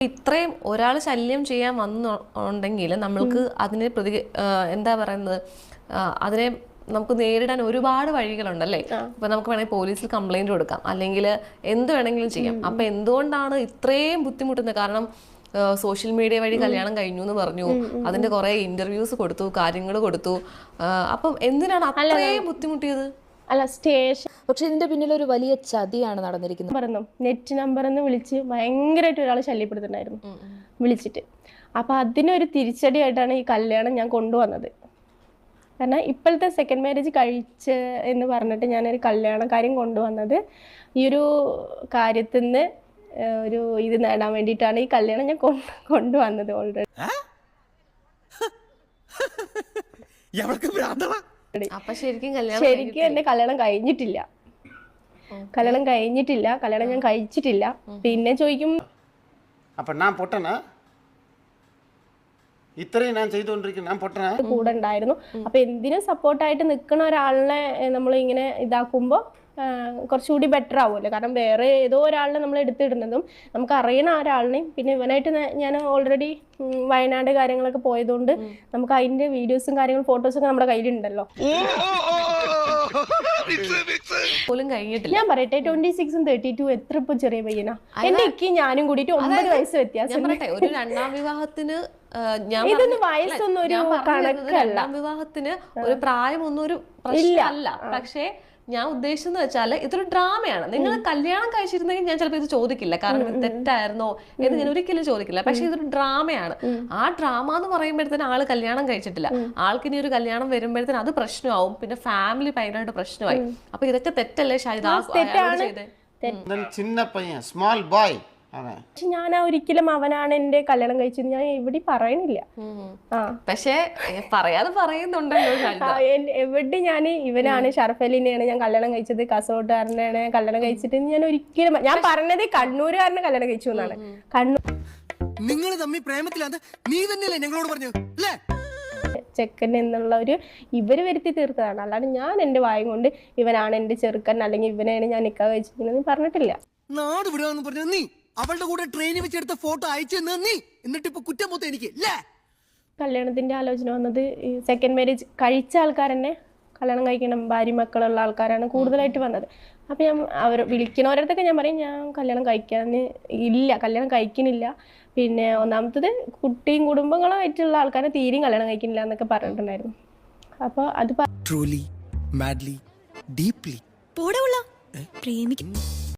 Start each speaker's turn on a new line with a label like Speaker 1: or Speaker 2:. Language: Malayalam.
Speaker 1: ഇത്രയും ഒരാൾ ശല്യം ചെയ്യാൻ വന്നുണ്ടെങ്കിൽ നമ്മൾക്ക് അതിനെ എന്താ പറയുന്നത്, അതിനെ നമുക്ക് നേരിടാൻ ഒരുപാട് വഴികളുണ്ടല്ലേ. ഇപ്പൊ നമുക്ക് വേണമെങ്കിൽ പോലീസിൽ കംപ്ലൈന്റ് കൊടുക്കാം, അല്ലെങ്കിൽ എന്ത് വേണമെങ്കിലും ചെയ്യാം. അപ്പൊ എന്തുകൊണ്ടാണ് ഇത്രയും ബുദ്ധിമുട്ടുന്നത്? കാരണം സോഷ്യൽ മീഡിയ വഴി കല്യാണം കഴിഞ്ഞു എന്ന് പറഞ്ഞു, അതിന്റെ കുറെ ഇന്റർവ്യൂസ് കൊടുത്തു, കാര്യങ്ങൾ കൊടുത്തു. അപ്പം എന്തിനാണ് അത്രയും ബുദ്ധിമുട്ടിയത്?
Speaker 2: അല്ല, സ്റ്റേഷൻ. പക്ഷെ ഇതിന്റെ പിന്നിൽ ഒരു വലിയ ചതിയാണ് നടന്നിരിക്കുന്നത്.
Speaker 3: പറഞ്ഞു നെറ്റ് നമ്പറിന്ന് വിളിച്ച് ഭയങ്കരമായിട്ട് ഒരാൾ ശല്യപ്പെടുത്തുന്നുണ്ടായിരുന്നു വിളിച്ചിട്ട്. അപ്പൊ അതിനൊരു തിരിച്ചടിയായിട്ടാണ് ഈ കല്യാണം ഞാൻ കൊണ്ടുവന്നത്. കാരണം ഇപ്പോഴത്തെ സെക്കൻഡ് മാരേജ് കഴിച്ച് എന്ന് പറഞ്ഞിട്ട് ഞാനൊരു കല്യാണ കാര്യം കൊണ്ടുവന്നത് ഈ ഒരു കാര്യത്തിൽ നിന്ന് ഒരു ഇത് നേടാൻ വേണ്ടിയിട്ടാണ് ഈ കല്യാണം ഞാൻ കൊണ്ടുവന്നത്. ഓൾറെഡി ശരിക്കും എന്റെ കല്യാണം കഴിഞ്ഞിട്ടില്ല. കല്യാണം ഞാൻ കഴിച്ചിട്ടില്ല. പിന്നെ ചോദിക്കും കൂടെ ഉണ്ടായിരുന്നു. അപ്പൊ എന്തിനും സപ്പോർട്ടായിട്ട് നിൽക്കുന്ന ഒരാളിനെ നമ്മൾ ഇങ്ങനെ ഇതാക്കുമ്പോ കുറച്ചുകൂടി ബെറ്റർ ആവുമല്ലോ. കാരണം വേറെ ഏതോ ഒരാളിനെ നമ്മൾ എടുത്തിടുന്നതും നമുക്ക് അറിയണ ഒരാളിനെയും, പിന്നെ ഇവനായിട്ട് ഞാൻ ഓൾറെഡി വയനാട് കാര്യങ്ങളൊക്കെ പോയതുകൊണ്ട് നമുക്ക് അതിന്റെ വീഡിയോസും കാര്യങ്ങളും ഫോട്ടോസൊക്കെ നമ്മുടെ കയ്യിലുണ്ടല്ലോ. ഞാൻ പറയട്ടെ, 26ഉം 32 എത്ര ഇപ്പൊ ചെറിയ പയ്യനാ. എന്റെ ഇക്ക് ഞാനും കൂടിയിട്ട് 9 വയസ്സ് വ്യത്യാസം.
Speaker 1: ഒരു രണ്ടാം വിവാഹത്തിന്
Speaker 3: ഇതൊന്നും വയസ്സൊന്നും ഒരു കണക്കല്ല.
Speaker 1: രണ്ടാം വിവാഹത്തിന് ഒരു പ്രായമൊന്നും ഒരു പ്രശ്നമല്ല. പക്ഷേ ഞാൻ ഉദ്ദേശിച്ചെന്ന് വെച്ചാൽ ഇതൊരു ഡ്രാമയാണ്. നിങ്ങൾ കല്യാണം കഴിച്ചിരുന്നെങ്കിൽ ഞാൻ ചിലപ്പോൾ ഇത് ചോദിക്കില്ല, കാരണം ഇത് തെറ്റായിരുന്നോ എന്ന് ഞാൻ ഒരിക്കലും ചോദിക്കില്ല. പക്ഷെ ഇതൊരു ഡ്രാമയാണ്. ആ ഡ്രാമ എന്ന് പറയുമ്പോഴത്തേന് ആള് കല്യാണം കഴിച്ചിട്ടില്ല, ആൾക്കിനി ഒരു കല്യാണം വരുമ്പോഴത്തേന് അത് പ്രശ്നമാവും, പിന്നെ ഫാമിലി ഭയങ്കരമായിട്ട് പ്രശ്നമായി. അപ്പൊ ഇതൊക്കെ തെറ്റല്ലേ ഷാഹിദ്?
Speaker 4: ചിന്ന പയ്യൻ, സ്മോൾ ബോയ്.
Speaker 3: പക്ഷെ ഞാൻ ഒരിക്കലും അവനാണ് എന്റെ കല്യാണം കഴിച്ചത് ഞാൻ എവിടെ പറയണില്ല.
Speaker 1: പക്ഷെ പറയാതെ പറയുന്നുണ്ടല്ലോ
Speaker 3: എവിടെ ഞാൻ ഇവനാണ് ഷറഫലിനെയാണ് ഞാൻ കല്യാണം കഴിച്ചത്, കാസർഗോഡുകാരനാണ് കല്യാണം കഴിച്ചിട്ട് ഞാൻ ഒരിക്കലും ഞാൻ പറഞ്ഞത് കണ്ണൂരുകാരനെ കല്യാണം കഴിച്ചു എന്നാണ്. കണ്ണൂർ
Speaker 5: നിങ്ങൾ തമ്മിൽ പ്രേമത്തിലാണ് നീ തന്നെയല്ലേ ഞങ്ങളോട് പറഞ്ഞു അല്ലേ?
Speaker 3: ചെക്കൻ എന്നുള്ള ഒരു ഇവര് വരുത്തി തീർത്തതാണ്. അല്ലാണ്ട് ഞാൻ എന്റെ വായും കൊണ്ട് ഇവനാണ് എന്റെ ചെറുക്കൻ അല്ലെങ്കിൽ ഇവനെയാണ് ഞാൻ നിക്കാഹ് കഴിച്ചിരിക്കുന്നത് പറഞ്ഞിട്ടില്ല.
Speaker 5: നാട് വിടുവാന്ന് പറഞ്ഞു നീ അവളുടെ കൂടെ ട്രെയിനിൽ വെച്ചെടുത്ത ഫോട്ടോ അയച്ചു നീ, എന്നിട്ട് ഇപ്പൊ കുറ്റം മൊത്തം എനിക്ക്.
Speaker 3: കല്യാണത്തിന്റെ ആലോചന വന്നത് സെക്കൻഡ് മാരേജ് കഴിച്ച ആൾക്കാരെന്നെ കല്യാണം കഴിക്കണം, ഭാര്യ മക്കളുള്ള ആൾക്കാരാണ് കൂടുതലായിട്ട് വന്നത്. അപ്പൊ ഞാൻ അവർ വിളിക്കണവരടുത്തൊക്കെ ഞാൻ പറയും ഞാൻ കല്യാണം കല്യാണം കഴിക്കുന്നില്ല. പിന്നെ ഒന്നാമത്തത് കുട്ടിയും കുടുംബങ്ങളുമായിട്ടുള്ള ആൾക്കാരെ തീരെയും കല്യാണം കഴിക്കുന്നില്ല എന്നൊക്കെ പറഞ്ഞിട്ടുണ്ടായിരുന്നു. അപ്പൊ അത്
Speaker 5: ട്രൂലി മാഡ്ലി ഡീപ്ലി പ്രേമിക്കും.